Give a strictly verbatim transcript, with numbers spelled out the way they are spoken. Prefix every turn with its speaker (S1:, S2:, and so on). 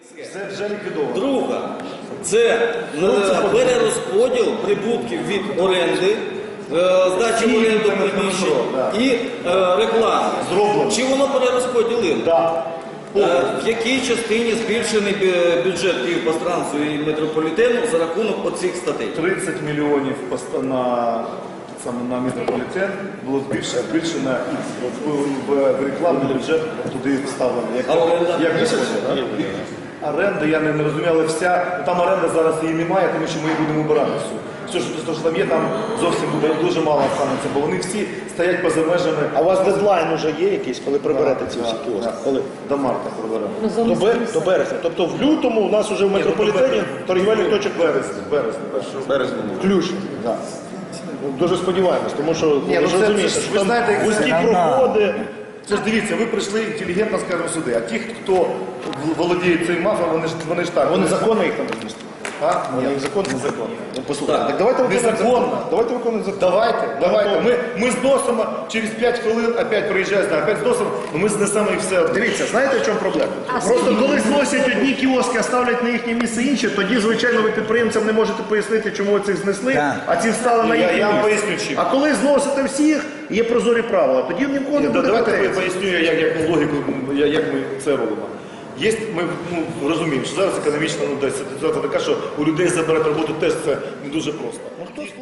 S1: Це вже ліквідовано.
S2: Друга – це перерозподіл прибутків від оренди, е, здачі в оренду приміщень і е, реклами.
S1: Зроблено.
S2: Чи воно перерозподілило?
S1: Да.
S2: Е, В якій частині збільшений бю- бюджет Київпастранцу і метрополітену за рахунок оцих статей?
S1: тридцять мільйонів поста- на, саме на метрополітен було збільшено, збільшено і в, в, в рекламний бюджет туди вставлено. Як,
S2: А оренда?
S1: як місяць? Оренда, я не, не розумію, але вся, там оренда зараз її немає, тому що ми її будемо обирати всю. Все, що, що там є, там зовсім буде дуже мало станеться, бо вони всі стоять поза межами.
S3: А у вас дедлайн вже є якийсь, коли приберете ці всі кіоски? Коли?
S1: До марта приберемо.
S3: До, бер... До березня. Тобто в лютому у нас вже в метрополітені торгівельних точок
S1: Березні, березні.
S3: березня включно.
S1: Да.
S3: Дуже сподіваємось, тому що
S1: Ні,
S3: ви
S1: ну
S3: ж
S1: це-
S3: розумієте,
S1: це ж
S3: що
S1: ви
S3: там
S1: знаєте, як
S3: вузькі
S1: це?
S3: проходи.
S1: Це ж дивіться, ви прийшли інтелігентно, скажімо, сюди, а ті, хто володіє цим мафом, вони ж, вони ж так.
S3: Вони законно їх там розмістили.
S1: А?
S3: Вони
S1: Ні,
S3: їх законно?
S1: незаконно.
S3: Ну, послухайте,
S2: Так.
S3: так давайте виконувати
S1: Незаконно.
S3: закон. Давайте виконувати закон.
S1: Давайте, давайте. Ми, ми зносимо, через п'ять хвилин опять приїжджає, знає, опять зносимо, ну ми знесемо і все.
S3: Дивіться, знаєте, в чому проблема?
S4: А
S3: Просто
S4: скільки
S3: коли
S4: ви
S3: зносять одні кіоски, а ставлять на їхнє місце інші, тоді, звичайно, ви підприємцям не можете пояснити, чому цих знесли,
S4: Так.
S3: а ці встали на
S1: Я,
S3: їхнє
S1: я вам
S3: місце.
S1: поясню чим.
S3: А коли зносите всіх, є прозорі правила, тоді ні в кого не
S1: Да,
S3: буде
S1: давайте я
S3: претензій.
S1: поясню, як, як ну, логіку, я- як ми це робимо. Є, ми ну, розуміємо, що зараз економічна ну, десь ситуація така, що у людей забирати роботу теж це не дуже просто.
S3: Ну, хто